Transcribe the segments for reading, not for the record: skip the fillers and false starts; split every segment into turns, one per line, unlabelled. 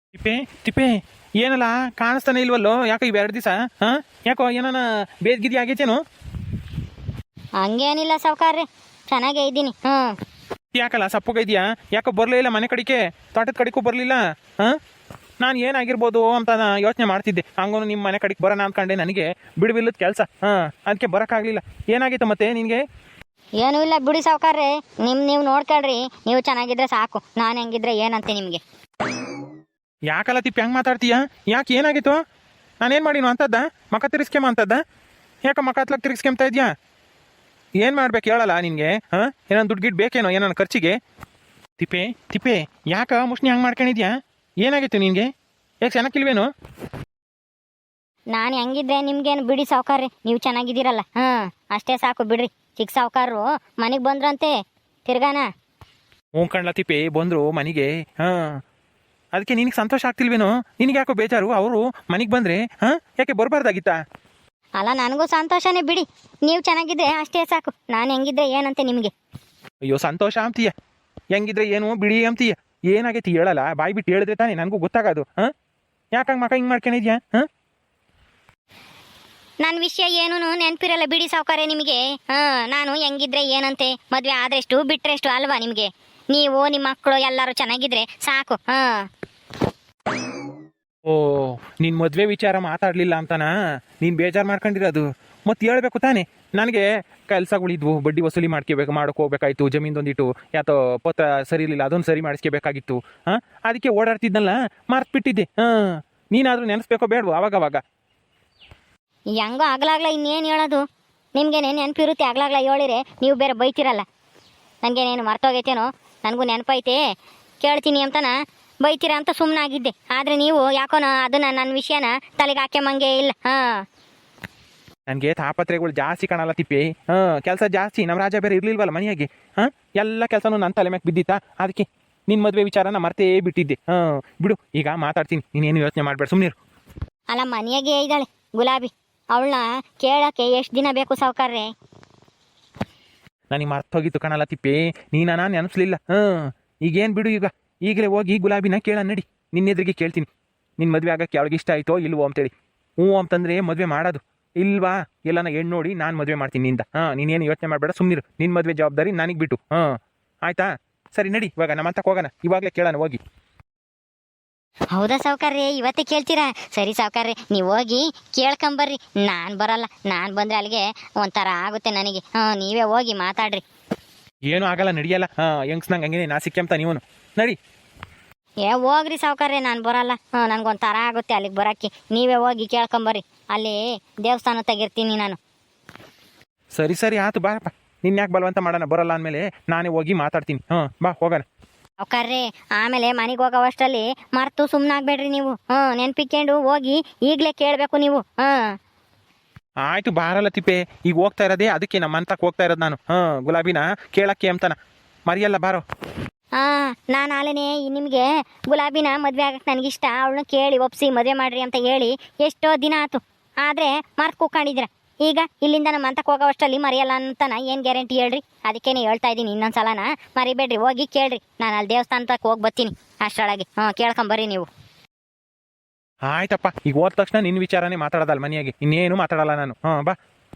ತಿಪ್ಪೆ ತಿಪ್ಪೆ ಏನಲ್ಲ ಕಾಣಿಸ್ತಾನೆ ಇಲ್ವಲ್ಲೋ? ಯಾಕೋ ಇವೆರಡು ದಿವಸ ಯಾಕೋ ಏನಾನ ಬೇದ್ಗಿದಿ ಆಗೈತೇನು?
ಹಂಗೇನಿಲ್ಲ ಸಾವ್ಕಾರ್ರಿ, ಚೆನ್ನಾಗೇ ಇದ್ದೀನಿ.
ಯಾಕಲ್ಲ ಸಪ್ಪಗೈದ್ಯಾ? ಯಾಕೋ ಬರಲೇ ಇಲ್ಲ ಮನೆ ಕಡೆಗೆ, ತೋಟದ ಕಡೆಗೂ ಬರಲಿಲ್ಲ. ನಾನು ಏನಾಗಿರ್ಬೋದು ಅಂತ ಯೋಚನೆ ಮಾಡ್ತಿದ್ದೆ. ಹಂಗೂ ನಿಮ್ಮ ಮನೆ ಕಡೆಗೆ ಬರೋಣ ಅಂದ್ಕೊಂಡೆ, ನನಗೆ ಬಿಡುವಿಲ್ಲದ ಕೆಲಸ. ಅದಕ್ಕೆ ಬರೋಕ್ಕಾಗಲಿಲ್ಲ. ಏನಾಗಿತ್ತು ಮತ್ತೆ ನಿನಗೆ?
ಏನೂ ಇಲ್ಲ ಬಿಡಿ ಸಾವ್ಕಾರ್ರಿ, ನೀವು ನೋಡ್ಕೊಳ್ರಿ. ನೀವು ಚೆನ್ನಾಗಿದ್ರೆ ಸಾಕು, ನಾನು ಹೆಂಗಿದ್ರೆ ಏನಂತೆ ನಿಮಗೆ.
ಯಾಕಲ್ಲ ತಿಪ್ಪಿ ಹಂಗೆ ಮಾತಾಡ್ತೀಯ? ಯಾಕೆ ಏನಾಗಿತ್ತು? ನಾನೇನು ಮಾಡಿನು ಅಂತದ್ದ? ಮಕ ತಿರ್ಸ್ಕೆಮ ಅಂತದ್ದ? ಯಾಕೆ ಮಕ ಹತ್ಲಕ್ಕೆ ತಿರ್ಸ್ಕೆಮ್ತಾ ಇದೆಯಾ? ಏನು ಮಾಡ್ಬೇಕು ಹೇಳಲ್ಲ ನಿನಗೆ? ಏನೋ ದುಡ್ಡು ಗಿಡ್ ಬೇಕೇನೋ ಏನೋ ಖರ್ಚಿಗೆ? ತಿಪ್ಪೆ ತಿಪ್ಪೆ ಯಾಕೆ ಮುಷ್ಣಿ ಹಂಗೆ ಮಾಡ್ಕೊಂಡಿದ್ಯಾ? ಏನಾಗಿತ್ತು ನಿನಗೆ? ಯಾಕೆ ಚೆನ್ನಾಗಿಲ್ವೇನು?
ನಾನು ಹೆಂಗಿದ್ರೆ ನಿಮ್ಗೇನು ಬಿಡಿ ಸಾವ್ಕಾರ್ರಿ, ನೀವು ಚೆನ್ನಾಗಿದ್ದೀರಲ್ಲ, ಅಷ್ಟೇ ಸಾಕು ಬಿಡ್ರಿ. ಚಿಕ್ಕ ಸಾವ್ಕಾರರು ಮನೆಗೆ ಬಂದ್ರಂತೆ ತಿರ್ಗಾನ.
ಹ್ಞೂ ಕಣ್ಲ ತಿಪ್ಪೆ, ಬಂದರು ಮನೆಗೆ. ಅದಕ್ಕೆ ನಿನಗೆ ಸಂತೋಷ ಆಗ್ತಿಲ್ವೇನೋ? ನಿನಗೆ ಯಾಕೋ ಬೇಜಾರು? ಅವರು ಮನೆಗೆ ಬಂದರೆ ಯಾಕೆ ಬರಬಾರ್ದಾಗಿತ್ತಾ?
ಅಲ್ಲ, ನನಗೂ ಸಂತೋಷನೇ ಬಿಡಿ. ನೀವು ಚೆನ್ನಾಗಿದ್ರೆ ಅಷ್ಟೇ ಸಾಕು, ನಾನು ಹೆಂಗಿದ್ರೆ ಏನಂತೆ ನಿಮಗೆ.
ಅಯ್ಯೋ ಸಂತೋಷ ಅಂತೀಯ, ಹೆಂಗಿದ್ರೆ ಏನು ಬಿಡಿ ಅಂತೀಯ. ಏನಾಗೈತಿ ಹೇಳಲ್ಲ, ಬಾಯಿ ಬಿಟ್ಟು ಹೇಳಿದ್ರೆ ತಾನೇ ನನಗೂ ಗೊತ್ತಾಗೋದು. ಯಾಕಂಗೆ ಮಕ ಹಿಂಗೆ ಮಾಡ್ಕೊಂಡಿದ್ಯಾ?
ನನ್ನ ವಿಷಯ ಏನೂ ನೆನಪಿರಲ್ಲ ಬಿಡಿ ಸಾವ್ಕಾರೆ ನಿಮಗೆ. ನಾನು ಹೆಂಗಿದ್ರೆ ಏನಂತೆ, ಮದುವೆ ಆದ್ರೆಷ್ಟು ಬಿಟ್ರೆಷ್ಟು ಅಲ್ವಾ ನಿಮಗೆ? ನೀವು ನಿಮ್ಮ ಮಕ್ಕಳು ಎಲ್ಲರೂ ಚೆನ್ನಾಗಿದ್ರೆ ಸಾಕು.
ಓ, ನಿನ್ನ ಮದುವೆ ವಿಚಾರ ಮಾತಾಡಲಿಲ್ಲ ಅಂತನಾ ನೀನು ಬೇಜಾರು ಮಾಡ್ಕೊಂಡಿರೋದು? ಮತ್ತೆ ಹೇಳ್ಬೇಕು ತಾನೇ. ನನಗೆ ಕೆಲಸಗಳಿದ್ವು, ಬಡ್ಡಿ ವಸೂಲಿ ಮಾಡ್ಕೋಬೇಕಾಯ್ತು. ಜಮೀನ್ದೊಂದಿಟ್ಟು ಯಾತೋ ಪತ್ರ ಸರಿ ಇರಲಿಲ್ಲ, ಅದೊಂದು ಸರಿ ಮಾಡಿಸ್ಕೋಬೇಕಾಗಿತ್ತು. ಅದಕ್ಕೆ ಓಡಾಡ್ತಿದ್ನಲ್ಲ, ಮರ್ತ್ಬಿಟ್ಟಿದ್ದೆ. ನೀನಾದರೂ ನೆನೆಸ್ಬೇಕೋ ಬೇಡವೋ ಅವಾಗವಾಗ?
ಹೆಂಗೋ ಆಗ್ಲಾಗ್ಲ ಇನ್ನೇನು ಹೇಳೋದು? ನಿಮ್ಗೇನೆ ನೆನಪಿರುತ್ತೆ, ಆಗ್ಲಾಗ್ಲ ಹೇಳಿರೆ ನೀವು ಬೇರೆ ಬೈತಿರಲ್ಲ. ನನಗೇನೇನು ಮರ್ತೋಗೈತೇನೋ? ನನಗೂ ನೆನಪೈತೆ, ಕೇಳ್ತೀನಿ ಅಂತನ ಬೈತೀರ ಅಂತ ಸುಮ್ಮನಾಗಿದ್ದೆ. ಆದರೆ ನೀವು ಯಾಕೋನೋ ಅದನ್ನ ನನ್ನ ವಿಷಯನ ತಲೆಗೆ ಹಾಕ್ಯಂಬಂಗೆ ಇಲ್ಲ.
ನನಗೆ ತಾಪತ್ರೆಗಳು ಜಾಸ್ತಿ ಕಾಣಲ್ಲ ತಿಪ್ಪಿ. ಕೆಲಸ ಜಾಸ್ತಿ. ನಮ್ಮ ರಾಜ ಬೇರೆ ಇರಲಿಲ್ವಲ್ಲ ಮನೆಯಾಗೆ. ಎಲ್ಲ ಕೆಲಸನೂ ನನ್ನ ತಲೆ ಮ್ಯಾಗೆ ಬಿದ್ದಿತ್ತಾ? ಅದಕ್ಕೆ ನಿನ್ನ ಮದುವೆ ವಿಚಾರನ ಮರ್ತೇ ಬಿಟ್ಟಿದ್ದೆ. ಬಿಡು, ಈಗ ಮಾತಾಡ್ತೀನಿ, ನೀನೇನು ಯೋಚನೆ ಮಾಡಬೇಡ, ಸುಮ್ಮನಿರು.
ಅಲ್ಲ, ಮನೆಯಾಗೆ ಇದ್ದಾಳೆ ಗುಲಾಬಿ, ಅವಳನ್ನ ಕೇಳೋಕ್ಕೆ ಎಷ್ಟು ದಿನ ಬೇಕು ಸಾವ್ಕಾರ್ರೆ?
ನನಗೆ ಮರ್ತೋಗಿತ್ತು ಕಣಲ್ಲ ತಿಪ್ಪಿ, ನೀನ ನೆನಪಿಸ್ಲಿಲ್ಲ. ಈಗೇನು ಬಿಡು, ಈಗಲೇ ಹೋಗಿ ಗುಲಾಬಿನ ಕೇಳ ನಡಿ. ನಿನ್ನ ಎದುರಿಗೆ ಕೇಳ್ತೀನಿ, ನಿನ್ನ ಮದುವೆ ಆಗಕ್ಕೆ ಅವಳಿಗೆ ಇಷ್ಟ ಆಯಿತೋ ಇಲ್ವೋ ಅಂತೇಳಿ. ಹ್ಞೂ ಅಂತಂದರೆ ಮದುವೆ ಮಾಡೋದು, ಇಲ್ವಾ ಎಲ್ಲನ ಹೆಣ್ಣು ನೋಡಿ ನಾನು ಮದುವೆ ಮಾಡ್ತೀನಿ ನಿಂದ. ನೀನೇನು ಯೋಚನೆ ಮಾಡಬೇಡ, ಸುಮ್ಮನಿರು. ನಿನ್ನ ಮದುವೆ ಜವಾಬ್ದಾರಿ ನನಗೆ ಬಿಟ್ಟು. ಆಯಿತಾ? ಸರಿ ನಡಿ, ಇವಾಗ ನಮ್ಮ ಅಂತ ಹೋಗೋಣ, ಇವಾಗಲೇ ಕೇಳೋಣ ಹೋಗಿ.
ಹೌದಾ ಸಾವ್ಕಾರ್ರೆ, ಇವತ್ತೇ ಕೇಳ್ತೀರಾ? ಸರಿ ಸಾವ್ಕಾರ್ರೆ, ನೀವು ಹೋಗಿ ಕೇಳ್ಕೊಂಬರ್ರಿ. ನಾನು ಬರಲ್ಲ, ನಾನು ಬಂದರೆ ಅಲ್ಲಿಗೆ ಒಂಥರ ಆಗುತ್ತೆ ನನಗೆ. ನೀವೇ ಹೋಗಿ ಮಾತಾಡ್ರಿ.
ಏನೂ ಆಗಲ್ಲ, ನಡಿಯಲ್ಲ. ಹೆಂಗ್ಸ್ನಂಗೆ ಹಂಗೆ ನಾಸಿಕ್ಕೆಂತ ನೀವು ನಡಿ.
ಹೋಗ್ರಿ ಸಾವ್ಕಾರ್ರೆ, ನಾನು ಬರಲ್ಲ. ನನಗೊಂಥರ ಆಗುತ್ತೆ ಅಲ್ಲಿಗೆ ಬರೋಕ್ಕೆ. ನೀವೇ ಹೋಗಿ ಕೇಳ್ಕೊಂಬರ್ರಿ, ಅಲ್ಲಿ ದೇವಸ್ಥಾನ ತೆಗಿರ್ತೀನಿ ನಾನು.
ಸರಿ ಸರಿ ಆಯ್ತು, ಬಾರಪ್ಪ. ನಿನ್ನ ಯಾಕೆ ಬಲವಂತ ಮಾಡೋಣ? ಬರಲ್ಲ ಅಂದಮೇಲೆ ನಾನೇ ಹೋಗಿ ಮಾತಾಡ್ತೀನಿ. ಬಾ ಹೋಗೋಣ.
ಸಾವ್ಕಾರ್ರೆ, ಆಮೇಲೆ ಮನೆಗೆ ಹೋಗೋವಷ್ಟರಲ್ಲಿ ಮರ್ತು ಸುಮ್ಮನಾಗ್ಬೇಡ್ರಿ ನೀವು. ನೆನ್ಪಿಕೊಂಡು ಹೋಗಿ ಈಗಲೇ ಕೇಳಬೇಕು ನೀವು.
ಆಯ್ತು, ಬಾರಲ್ಲ ತಿಪ್ಪೆ. ಈಗ ಹೋಗ್ತಾ ಇರೋದೇ ಅದಕ್ಕೆ, ನಮ್ಮ ಅಂತಕ್ಕೆ ಹೋಗ್ತಾ ಇರೋದು ನಾನು. ಗುಲಾಬಿನ ಕೇಳಕ್ಕೆ ಅಂತಾನ, ಮರಿಯಲ್ಲ ಬಾರೋ.
ನಾನು ಆಲೇನೆ ನಿಮಗೆ ಗುಲಾಬಿನ ಮದುವೆ ಆಗಕ್ಕೆ ನನಗಿಷ್ಟ, ಅವಳನ್ನ ಕೇಳಿ ಒಪ್ಸಿ ಮದುವೆ ಮಾಡ್ರಿ ಅಂತ ಹೇಳಿ ಎಷ್ಟೋ ದಿನ ಆಯ್ತು. ಆದರೆ ಮರ್ತು ಕೂತ್ಕೊಂಡಿದ್ದೀರ. ಈಗ ಇಲ್ಲಿಂದ ನಮ್ಮ ಅಂತಕ್ಕೆ ಹೋಗೋವಷ್ಟರಲ್ಲಿ ಮರೆಯಲ್ಲ ಅಂತಾನ ಏನು ಗ್ಯಾರಂಟಿ ಹೇಳ್ರಿ? ಅದಕ್ಕೇನೆ ಹೇಳ್ತಾ ಇದ್ದೀನಿ, ಇನ್ನೊಂದ್ಸಲನ ಮರಿಬೇಡ್ರಿ, ಹೋಗಿ ಕೇಳ್ರಿ. ನಾನು ಅಲ್ಲಿ ದೇವಸ್ಥಾನಕ್ಕೆ ಹೋಗಿ ಬರ್ತೀನಿ ಅಷ್ಟರೊಳಗೆ. ಕೇಳ್ಕೊಂಬರ್ರಿ ನೀವು.
ಆಯ್ತಪ್ಪ, ಈಗ ಹೋದ ತಕ್ಷಣ ನಿನ್ನ ವಿಚಾರನೇ ಮಾತಾಡೋದಲ್ಲ ಮನೆಯಾಗೆ, ಇನ್ನೇನು ಮಾತಾಡಲ್ಲ ನಾನು. ಬಾ.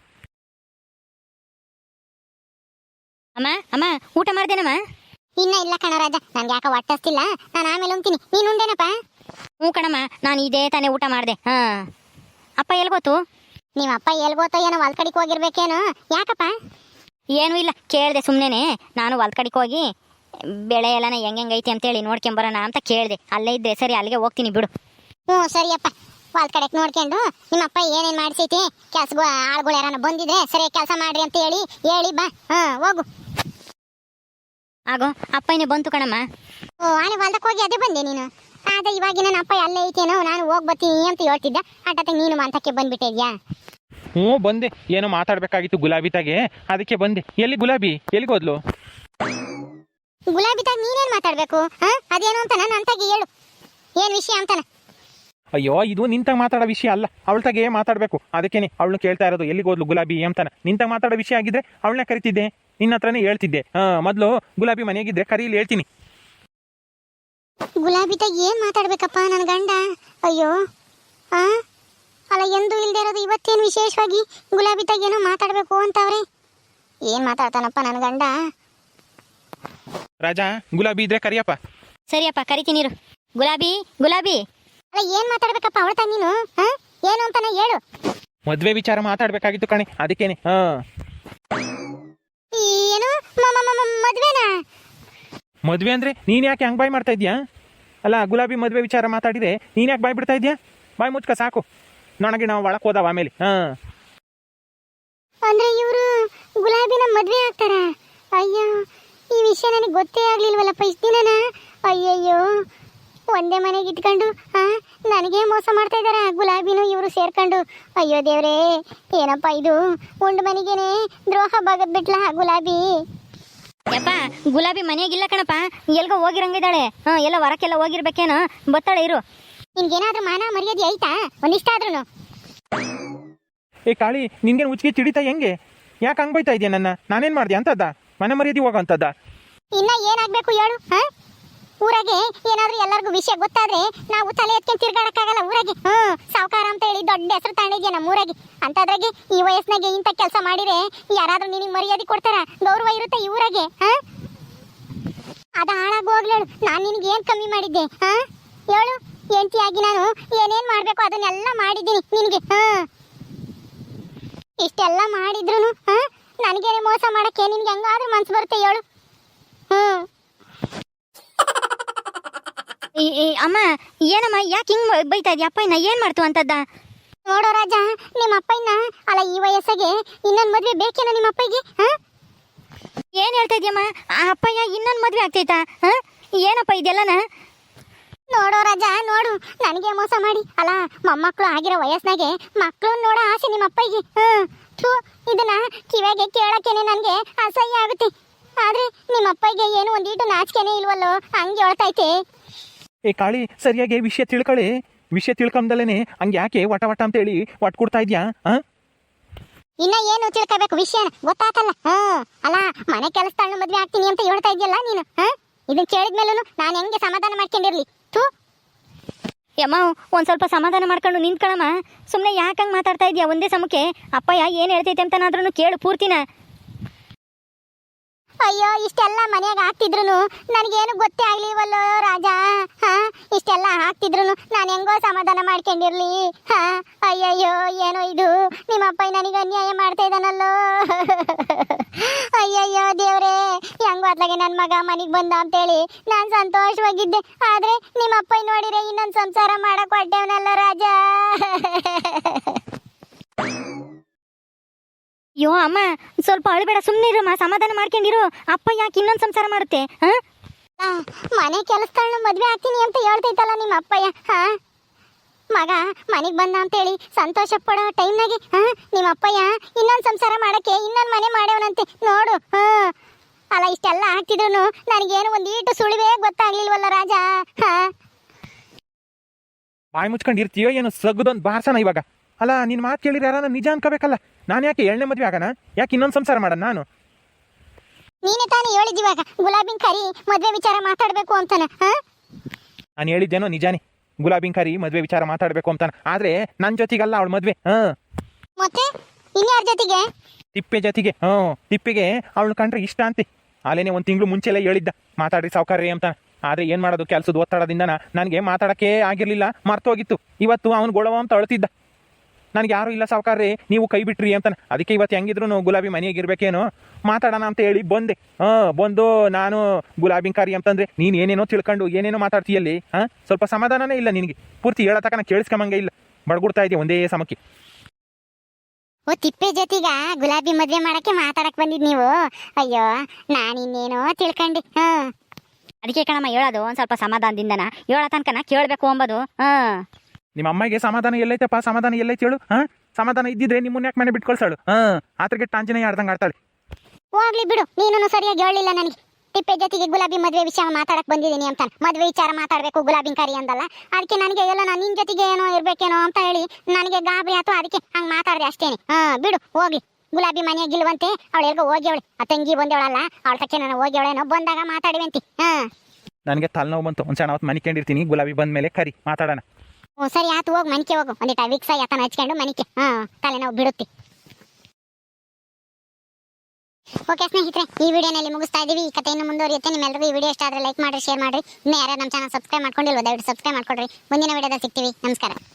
ಅಮ್ಮ ಅಮ್ಮ, ಊಟ ಮಾಡ್ದೇನಮ್ಮ?
ಇನ್ನ ಇಲ್ಲ ಕಣ ರಾಜ, ನನ್ಗೆ ಯಾಕೆ ಹೊಟ್ಟಸ್ತಿಲ್ಲ, ನಾನು ಆಮೇಲೆ ಉಣ್ತೀನಿ. ನೀನು ಉಂಡೇನಪ್ಪ?
ಹ್ಞೂ ಕಣಮ್ಮ, ನಾನು ಇದೇ ತಾನೇ ಊಟ ಮಾಡಿದೆ. ಅಪ್ಪ ಎಲ್ಗೋತು?
ನಿಮ್ಮ ಅಪ್ಪ ಎಲ್ಗೋತೋ ಏನೋ, ಹೊಲ್ ಕಡೆಗೆ ಹೋಗಿರ್ಬೇಕೇನೋ. ಯಾಕಪ್ಪ?
ಏನೂ ಇಲ್ಲ, ಕೇಳಿದೆ ಸುಮ್ಮನೆ. ನಾನು ಹೊಲ್ದ ಕಡೆಗೆ ಹೋಗಿ ಬೆಳೆ ಎಲ್ಲನ ಹೆಂಗೈತಿ ಅಂತೇಳಿ ನೋಡ್ಕೊಂಬರೋಣ ಅಂತ ಕೇಳಿದೆ. ಅಲ್ಲೇ ಇದ್ದೆ, ಸರಿ ಅಲ್ಲಿಗೆ ಹೋಗ್ತೀನಿ ಬಿಡು.
ಹ್ಞೂ ಸರಿಯಪ್ಪ, ಹೊಲ್ ಕಡೆಗೆ ನೋಡ್ಕೊಂಡು ನಿಮ್ಮಪ್ಪ ಏನೇನು ಮಾಡಿಸೈತಿ, ಕೆಲ್ಸ ಆಳುಗಳು ಯಾರನ್ನ ಬಂದಿದ್ರೆ ಸರಿ ಕೆಲಸ ಮಾಡ್ರಿ ಅಂತ ಹೇಳಿ ಬಾ. ಹೋಗು.
ಆಗೋ ಅಪ್ಪನೇ ಬಂತು ಕಣಮ್ಮ.
ಓ, ಆನೆ ಹೊಲ್ದಕ್ಕೆ ಹೋಗಿ ಅದೇ ಬಂದೆ ನೀನು? ಆದ ಇವಾಗ ನನ್ನ ಅಪ್ಪ ಅಲ್ಲೇ ಐತೇನೋ, ನಾನು ಹೋಗಿ ಬರ್ತೀನಿ ಅಂತ ಹೇಳ್ತಿದ್ದ. ಅಟ್ಟತ್ತೆ ನೀನು ಮಂತಕ್ಕೆ ಬಂದ್ಬಿಟ್ಟಿದ್ಯಾ?
ಹ್ಞೂ ಬಂದೆ, ಏನೋ ಮಾತಾಡಬೇಕಾಗಿತ್ತು ಗುಲಾಬಿ ತಾಗೆ, ಅದಕ್ಕೆ ಬಂದೆ. ಎಲ್ಲಿ ಗುಲಾಬಿ? ಎಲ್ಲಿಗೋದ್ಲು?
ಗುಲಾಬಿ ತಾಗ ನೀನೇನು ಮಾತಾಡಬೇಕು? ಅದೇನು ಅಂತ ನನ್ನ ತಾಗಿ ಹೇಳು, ಏನು ವಿಷಯ ಅಂತಾನೆ.
ಅಯ್ಯೋ, ಇದು ನಿಂತಾಗ ಮಾತಾಡೋ ವಿಷಯ ಅಲ್ಲ, ಅವಳ್ತಾಗೆ ಮಾತಾಡಬೇಕು. ಅದಕ್ಕೇನೆ ಅವಳನ್ನ ಕೇಳ್ತಾ ಇರೋದು, ಎಲ್ಲಿಗೋದ್ಲು ಗುಲಾಬಿ ಅಂತಾನೆ. ನಿಂತಾಗ ಮಾತಾಡೋ ವಿಷಯ ಆಗಿದ್ರೆ ಅವಳನ್ನ ಕರಿತಿದ್ದೆ, ನಿನ್ನ ಹತ್ರನೇ ಹೇಳ್ತಿದ್ದೆ. ಮೊದಲು ಗುಲಾಬಿ ಮನೆಯಾಗಿದ್ದರೆ ಕರೀಲಿ, ಹೇಳ್ತೀನಿ.
ಗುಲಾಬಿತಾಗ ಏನು ಮಾತಾಡ್ಬೇಕಪ್ಪ ನನ್ನ ಗಂಡ? ಅಯ್ಯೋ ಆ ಅಲ್ಲ, ಎಂದು ಇಲ್ದೇ ಇರೋದು ಇವತ್ತೇನು ವಿಶೇಷವಾಗಿ ಗುಲಾಬಿತಾಗ ಏನೋ ಮಾತಾಡಬೇಕು ಅಂತವ್ರೆ. ಏನು ಮಾತಾಡ್ತಾನಪ್ಪ ನನ್ನ ಗಂಡ?
ರಾಜಾ, ಗುಲಾಬಿ ಇದ್ರೆ ಕರಿಯಪ್ಪ.
ಸರಿಯಪ್ಪ, ಕರಿತೀನಿ ಇರು. ಗುಲಾಬಿ, ಗುಲಾಬಿ.
ಅಲ್ಲ, ಏನು ಮಾತಾಡ್ಬೇಕಪ್ಪ ಅವಳ್ತಾಗ ನೀನು? ಏನು ಅಂತಾನೆ ಹೇಳು.
ಮದ್ವೆ ವಿಚಾರ ಮಾತಾಡ್ಬೇಕಾಗಿತ್ತು ಕಣೆ, ಅದಕ್ಕೇನೆ.
ಏನು ಮದ್ವೆನಾ?
ಮದ್ವೆ ಅಂದ್ರೆ ನೀನ್ ಯಾಕೆ ಹಂಗ್ ಬಾಯ್ ಮಾಡ್ತಾ ಇದ್ಯಾ? ಅಲ್ಲ, ಗುಲಾಬಿ ಮದ್ವೆ ವಿಚಾರ ಮಾತಾಡಿದ್ರೆ ನೀನ್ ಯಾಕೆ ಬಾಯ್ ಬಿಡ್ತಾ ಇದ್ಯಾ? ಬಾಯ್ ಮುಚ್ಕ ಸಾಕು. ನನಗೆ ನಾವು ಒಳಕ್ ಹೋದವ ಆಮೇಲೆ.
ಅಂದ್ರೆ ಇವರು ಗುಲಾಬಿನ ಮದ್ವೆ ಆಗ್ತಾರ? ಅಯ್ಯೋ, ಈ ವಿಷಯ ನನಗೆ ಗೊತ್ತೇ ಆಗ್ಲಿಲ್ವಲ್ಲಪ್ಪ ಇಷ್ಟು ದಿನನ. ಅಯ್ಯಯ್ಯೋ, ಒಂದೇ ಮನೆಗೆ ಇಟ್ಕೊಂಡು ನನಗೆ ಮೋಸ ಮಾಡ್ತಾ ಇದಾರ ಗುಲಾಬಿನೂ ಇವರು ಸೇರ್ಕೊಂಡು. ಅಯ್ಯೋ ದೇವ್ರೇ, ಏನಪ್ಪ ಇದು? ಉಂಡು ಮನೆಗೇನೆ ದ್ರೋಹ ಬಾಗದ್ ಬಿಟ್ಲ ಗುಲಾಬಿ.
ಯಪ್ಪ, ಗುಲಾಬಿ ಮನೆಯಾಗಿಲ್ಲ ಕಣಪ್ಪ, ಎಲ್ಗೋ ಹೋಗಿರಂಗಿದ್ದಾಳೆ. ಎಲ್ಲ ಹೊರಕ್ಕೆಲ್ಲ ಹೋಗಿರ್ಬೇಕೇನೋ, ಬತ್ತಾಳೆ ಇರು.
ನಿನ್ಗೇನಾದ್ರೂ ಮಾನ ಮರ್ಯಾದೆ ಐತಾ ಒಂದಿಷ್ಟಾದ್ರೂ?
ಏ ಕಾಳಿ, ನಿನ್ಗೇನು ಉಚ್ಚಿಗೆ ಚಿಡಿತಾ ಹೆಂಗೆ? ಯಾಕೆ ಹಂಗ್ ಬೈತಾ ಇದೆಯಾ ನನ್ನ? ನಾನೇನ್ ಮಾಡ್ದೆ ಅಂತದ್ದ? ಮನೆ ಮರ್ಯಾದೆ ಹೋಗೋ ಅಂತದ್ದ?
ಇನ್ನ ಏನಾಗ್ಬೇಕು ಹೇಳು? ಊರಾಗೆ ಏನಾದ್ರೂ ಎಲ್ಲರಿಗೂ ವಿಷಯ ಗೊತ್ತಾದ್ರೆ ನಾವು ತಲೆ ಎತ್ಕೊಂಡು ತಿರ್ಗಾಡಕ್ಕಾಗಲ್ಲ ಊರಾಗೆ. ಸಾವುಕಾರ ಅಂತ ಹೇಳಿ ದೊಡ್ಡ ಹೆಸರು ತಾಣಿದ್ಯಾ ನಮ್ಮ ಊರಾಗೆ. ಅಂತದ್ರಾಗೆ ಈ ವಯಸ್ಸಿನಾಗೆ ಇಂಥ ಕೆಲಸ ಮಾಡಿದ್ರೆ ಯಾರಾದ್ರೂ ನಿನಗೆ ಮರ್ಯಾದೆ ಕೊಡ್ತಾರ? ಗೌರವ ಇರುತ್ತೆ ಈ ಊರಾಗೆ? ಅದ ಹಾಳಾಗೋಗ್ಲೇಳು. ನಾನು ನಿನಗೆ ಏನು ಕಮ್ಮಿ ಮಾಡಿದ್ದೆ? ಹೇಳು, ಹೆಂಡತಿಯಾಗಿ ನಾನು ಏನೇನು ಮಾಡಬೇಕು ಅದನ್ನೆಲ್ಲ ಮಾಡಿದ್ದೀನಿ ನಿನಗೆ. ಇಷ್ಟೆಲ್ಲ ಮಾಡಿದ್ರು ನನಗೇನೆ ಮೋಸ ಮಾಡಕ್ಕೆ ನಿನ್ಗೆ ಹೆಂಗಾದ್ರೂ ಮನ್ಸು ಬರುತ್ತೆ ಹೇಳು?
ಅಮ್ಮ, ಏನಮ್ಮ, ಯಾಕೆ ಹಿಂಗ್ ಬೈತಾ ಇದೀಯ? ಅಪ್ಪ ಇನ್ನ ಏನ್ ಮಾಡ್ತು ಅಂತದ್ದ?
ನೋಡೋ ರಾಜ, ನಿಮ್ಮ ಅಪ್ಪಯ್ಯನ ಅಲ್ಲ ಈ ವಯಸ್ಸಿಗೆ ಇನ್ನೊಂದು ಮದ್ವೆ ಬೇಕೇನೋ ನಿಮ್ಮ ಅಪ್ಪಯ್ಯಗೆ?
ಏನ್ ಹೇಳ್ತಾ ಇದೀಯಮ್ಮ? ಆ ಅಪ್ಪಯ್ಯ ಇನ್ನೊಂದು ಮದ್ವೆ ಆಗ್ತೈತಾ? ಏನಪ್ಪ ಇದೆಲ್ಲನ?
ನೋಡೋ ರಾಜ, ನೋಡು, ನನಗೆ ಮೋಸ ಮಾಡಿ ಅಲ್ಲ ಮೊಮ್ಮಕ್ಕಳು ಆಗಿರೋ ವಯಸ್ಸಿನಾಗೆ ಮಕ್ಕಳು ನೋಡೋ ಆಸೆ ನಿಮ್ಮ ಅಪ್ಪಯ್ಯಗೆ. ಇದನ್ನ ಕಿವಿಗೆ ಕೇಳಕ್ಕೇನೆ ನನಗೆ ಅಸಹ್ಯ ಆಗುತ್ತೆ. ಆದ್ರೆ ನಿಮ್ಮ ಅಪ್ಪಯ್ಯಗೆ ಏನು ಒಂದೀಟು ನಾಚಿಕೆನೇ ಇಲ್ವಲ್ಲೋ, ಹಂಗೆ ಹೇಳ್ತೈತೆ.
ಏ ಕಾಳಿ, ಸರಿಯಾಗಿ ವಿಷಯ ತಿಳ್ಕೊಳ್ಳಿ. ವಿಷಯ ತಿಳ್ಕೊಂಡಲೇನೆ ಹಂಗೆ ಯಾಕೆ ವಟ ವಟ ಅಂತ ಹೇಳಿ ಒಟ್ಟು ಕೊಡ್ತಾ ಇದ್ಯಾ?
ಇನ್ನ ಏನು ತಿಳ್ಕೋಬೇಕು ವಿಷಯನ ಗೊತ್ತಾತಲ್ಲ? ಅಲ್ಲ, ಮನೆ ಕೆಲಸದಳ್ನ ಮದ್ವೆ ಆಗ್ತೀನಿ ಅಂತ ಹೇಳ್ತಾ ಇದೆಯಲ್ಲ ನೀನು. ಇದನ್ನ ಕೇಳಿದ್ಮೇಲೂ ನಾನು ಹೆಂಗೆ ಸಮಾಧಾನ ಮಾಡ್ಕೊಂಡಿರ್ಲಿ?
ಯಮ್ಮ, ಒಂದ್ ಸ್ವಲ್ಪ ಸಮಾಧಾನ ಮಾಡ್ಕೊಂಡು ನಿಂತ್ಕೊಳಮ್ಮ. ಸುಮ್ಮನೆ ಯಾಕಂಗ್ ಮಾತಾಡ್ತಾ ಇದೀಯ ಒಂದೇ ಸಮಕ್ಕೆ? ಅಪ್ಪಯ್ಯ ಏನ್ ಹೇಳ್ತೈತೆ ಅಂತನಾದ್ರೂ ಕೇಳು ಪೂರ್ತಿನ.
ಅಯ್ಯೋ, ಇಷ್ಟೆಲ್ಲ ಮನೆಯಾಗ ಹಾಕ್ತಿದ್ರು ನನಗೇನು ಗೊತ್ತೇ ಆಗ್ಲಿವಲ್ಲೋ ರಾಜ. ಇಷ್ಟೆಲ್ಲ ಹಾಕ್ತಿದ್ರು ನಾನು ಹೆಂಗೋ ಸಮಾಧಾನ ಮಾಡ್ಕೊಂಡಿರ್ಲಿ? ಅಯ್ಯಯ್ಯೋ, ಏನೋ ಇದು, ನಿಮ್ಮ ಅಪ್ಪ ನನಗೆ ಅನ್ಯಾಯ ಮಾಡ್ತಾ ಇದ್ದಾನಲ್ಲೋ. ಅಯ್ಯಯ್ಯೋ ದೇವ್ರೇ, ಹೆಂಗೋ ಅತ್ಲಾಗೆ ನನ್ನ ಮಗ ಮನೆಗೆ ಬಂದ ಅಂತೇಳಿ ನಾನು ಸಂತೋಷವಾಗಿದ್ದೆ. ಆದ್ರೆ ನಿಮ್ಮ ಅಪ್ಪ ನೋಡಿದ್ರೆ ಇನ್ನೊಂದು ಸಂಸಾರ ಮಾಡಕ್ ಹೊಟ್ಟೆವನಲ್ಲ ರಾಜ.
ಅಯ್ಯೋ ಅಮ್ಮ, ಸ್ವಲ್ಪ ಅಳಬೇಡ, ಸುಮ್ಮನಿರಮ್ಮ, ಸಮಾಧಾನ ಮಾಡ್ಕೊಂಡಿರು. ಅಪ್ಪ ಯಾಕೆ ಇನ್ನೊಂದು ಸಂಸಾರ ಮಾಡುತ್ತೆ?
ಮನೆ ಕೆಲಸಗಳನ್ನ ಮದ್ವೆ ಆಗ್ತೀನಿ ಅಂತ ಹೇಳ್ತೈತಲ್ಲ ನಿಮ್ಮ ಅಪ್ಪಯ್ಯ. ಮಗ ಮನೆಗೆ ಬಂದ ಅಂತೇಳಿ ಸಂತೋಷ ಪಡೋ ಟೈಮ್ನಾಗೆ ನಿಮ್ಮ ಅಪ್ಪಯ್ಯ ಇನ್ನೊಂದು ಸಂಸಾರ ಮಾಡಕ್ಕೆ ಇನ್ನೊಂದು ಮನೆ ಮಾಡ್ಯವನಂತೆ ನೋಡು. ಅಲ್ಲ, ಇಷ್ಟೆಲ್ಲ ಆಗ್ತಿದ್ರು ನನಗೇನು ಒಂದೀಟು ಸುಳಿವೇ ಗೊತ್ತಾಗ್ಲಿಲ್ವಲ್ಲ ರಾಜ.
ಬಾಯಿ ಮುಚ್ಕೊಂಡು ಇರ್ತೀಯೋ ಏನು? ಸಗ್ದೊಂದು ಬಾರ್ಸನ ಇವಾಗ. ಅಲ್ಲ, ನಿನ್ನ ಮಾತು ಕೇಳಿದ್ರೆ ಯಾರ ನಿಜ ಅನ್ಕೋಬೇಕಲ್ಲ. ನಾನು ಯಾಕೆ ಎಣ್ಣೆ ಮದುವೆ ಆಗೋಣ? ಯಾಕೆ ಇನ್ನೊಂದು ಸಂಸಾರ ಮಾಡೋಣ ನಾನು?
ನೀನೇ ತಾನೇ ಹೇಳಿದಿವಾಗ ಗುಲಾಬಿನ್ ಕರಿ ಮದ್ವೆ ವಿಚಾರ ಮಾತಾಡ್ಬೇಕು ಅಂತಾನ.
ನಾನು ಹೇಳಿದ್ದೇನೋ ನಿಜಾನೇ, ಗುಲಾಬಿನ್ ಕರಿ ಮದ್ವೆ ವಿಚಾರ ಮಾತಾಡ್ಬೇಕು ಅಂತಾನ. ಆದ್ರೆ ನನ್ನ ಜೊತೆಗಲ್ಲ ಅವಳ ಮದ್ವೆ.
ಮತ್ತೆ ಇನ್ಯಾರ ಜೊತೆಗೆ?
ತಿಪ್ಪೆ ಜೊತೆಗೆ. ತಿಪ್ಪೆಗೆ ಅವಳು ಕಂಡ್ರೆ ಇಷ್ಟ ಅಂತೆ. ಅಲ್ಲೇನೆ ಒಂದು ತಿಂಗಳು ಮುಂಚೆಲ್ಲ ಹೇಳಿದ್ದ ಮಾತಾಡ್ರಿ ಸಾವುಕಾರ್ರಿ ಅಂತ. ಆದ್ರೆ ಏನ್ ಮಾಡೋದು, ಕೆಲಸದ ಒತ್ತಡದಿಂದ ನನಗೆ ಮಾತಾಡಕ್ಕೆ ಆಗಿರ್ಲಿಲ್ಲ, ಮರ್ತೋಗಿತ್ತು. ಇವತ್ತು ಅವನು ಗೊಳವ ಅಂತ ಅಳ್ತಿದ್ದ. ನನಗೆ ಯಾರು ಇಲ್ಲ ಸಾವುಕಾರ್ರಿ, ನೀವು ಕೈ ಬಿಟ್ರಿ ಅಂತಾನೆ. ಅದಕ್ಕೆ ಇವತ್ತು ಹೆಂಗಿದ್ರು ಗುಲಾಬಿ ಮನೆಯಾಗಿರ್ಬೇಕೇನೋ ಮಾತಾಡೋಣ ಅಂತ ಹೇಳಿ ಬಂದೆ. ಬಂದು ನಾನು ಗುಲಾಬಿನ್ ಕಾರಿ ಅಂತಂದ್ರೆ ನೀನು ಏನೇನೋ ತಿಳ್ಕೊಂಡು ಏನೇನೋ ಮಾತಾಡ್ತೀಯಲ್ಲಿ. ಸ್ವಲ್ಪ ಸಮಾಧಾನನೇ ಇಲ್ಲ ನಿನಗೆ. ಪೂರ್ತಿ ಹೇಳೋ ತಕ್ಕ ಕೇಳಿಸ್ಕೊಂಬಂಗೆ ಇಲ್ಲ, ಬಡ್ಗುಡ್ತಾ ಇದೆಯಾ ಒಂದೇ ಸಮಕ್ಕೆ.
ಓ, ತಿಪ್ಪೆ ಜೊತೆಗ ಗುಲಾಬಿ ಮದ್ವೆ ಮಾಡಕ್ಕೆ ಮಾತಾಡಕ್ ಬಂದಿದ್ ನೀವು? ಅಯ್ಯೋ, ನಾನಿನ್ನೇನೋ ತಿಳ್ಕೊಂಡೆ.
ಅದಕ್ಕೆ ಕಣಮ್ಮ ಹೇಳೋದು, ಒಂದ್ ಸ್ವಲ್ಪ ಸಮಾಧಾನದಿಂದನ ಹೇಳೋ ತನಕನ ಕೇಳಬೇಕು ಅಂಬೋದು.
ನಿಮ್ಮ ಅಮ್ಮಗೆ ಸಮಾಧಾನ ಎಲ್ಲೈತಪ್ಪ? ಸಮಾಧಾನ ಎಲ್ಲೈತೆ ಹೇಳು? ಸಮಾಧಾನ ಇದ್ದಿದ್ರೆ ನಿಮ್ಮನ್ನ ಯಾಕೆ ಮನೆ ಬಿಟ್ಕೊಳ್ಸಾಳು? ಆತರಿಗೆ ಟಾಂಜನೆ ಆಡ್ದಂಗೆ ಆಡ್ತಾಳೆ.
ಹೋಗ್ಲಿ ಬಿಡು, ನೀನು ಸರಿಯಾಗಿ ಹೇಳಿಲ್ಲ ನನಗೆ. ತಿಪ್ಪೆ ಜೊತೆಗೆ ಗುಲಾಬಿ ಮದ್ವೆ ವಿಷಯ ಮಾತಾಡಕ್ ಬಂದಿದ್ದೀನಿ ಅಂತ. ಮದ್ವೆ ವಿಚಾರ ಮಾತಾಡ್ಬೇಕು ಗುಲಾಬಿನ್ ಕರಿ ಅಂದಲ್ಲ, ಅದಕ್ಕೆ ನನಗೆ ಎಲ್ಲ ನಾನು ನಿನ್ ಜೊತೆಗೆ ಏನೋ ಇರ್ಬೇಕೇನೋ ಅಂತ ಹೇಳಿ ನನಗೆ ಗಾಬರಿ ಆಯ್ತು. ಅದಕ್ಕೆ ಹಂಗೆ ಮಾತಾಡಿದೆ ಅಷ್ಟೇನೆ. ಬಿಡು, ಹೋಗ್ಲಿ. ಗುಲಾಬಿ ಮನೆಯಾಗಿಲ್ವಂತೆ, ಅವಳು ಎಲ್ಗೋ ಹೋಗ್ಯವಳೆ. ಆ ತಂಗಿ ಬಂದೇವಳಲ್ಲ, ಅವಳ ತಕ್ಕೆ ನಾನು ಹೋಗ್ಯವಳೇನೋ, ಬಂದಾಗ ಮಾತಾಡಿವಂತಿ.
ನನಗೆ ತಲೆನೋವು ಬಂತು ಒಂದು ಸಣ್ಣ ಹೊತ್ತು ಮನಿಕೊಂಡಿರ್ತೀನಿ ಗುಲಾಬಿ ಬಂದ ಮೇಲೆ ಕರಿ ಮಾತಾಡೋಣ.
ಹ್ಞೂ ಸರಿ ಆತು, ಹೋಗಿ ಮನಿಕೆ ಹೋಗು, ಒಂದಿಟ ವಿಕ್ಸ ಯಾತನ ಹಚ್ಕೊಂಡು ಮನಿಕೆ ತಲೆನೋವು ಬಿಡುತ್ತೆ. ಓಕೆ ಸ್ನೇಹಿತರೆ, ಈ ವಿಡಿಯೋನಲ್ಲಿ ಮುಗಿಸ್ತಾ ಇದೀವಿ. ಈ ಕಥೆ ಇನ್ನು ಮುಂದುವರಿಯುತ್ತೆ. ನಿಮ್ಮೆಲ್ಲರಿಗೂ ಈ ವಿಡಿಯೋ ಇಷ್ಟ ಆದರೆ ಲೈಕ್ ಮಾಡಿ, ಶೇರ್ ಮಾಡಿ. ಇನ್ನು ಯಾರು ನಮ್ಮ ಚಾನಲ್ ಸಬ್ಸ್ಕ್ರೈಬ್ ಮಾಡ್ಕೊಂಡಿಲ್ವೋ ದಯವಿಟ್ಟು ಸಬ್ಸ್ಕ್ರೈಬ್ ಮಾಡ್ಕೊಡ್ರಿ. ಮುಂದಿನ ವಿಡಿಯೋದಲ್ಲಿ ಸಿಗ್ತೀವಿ. ನಮಸ್ಕಾರ.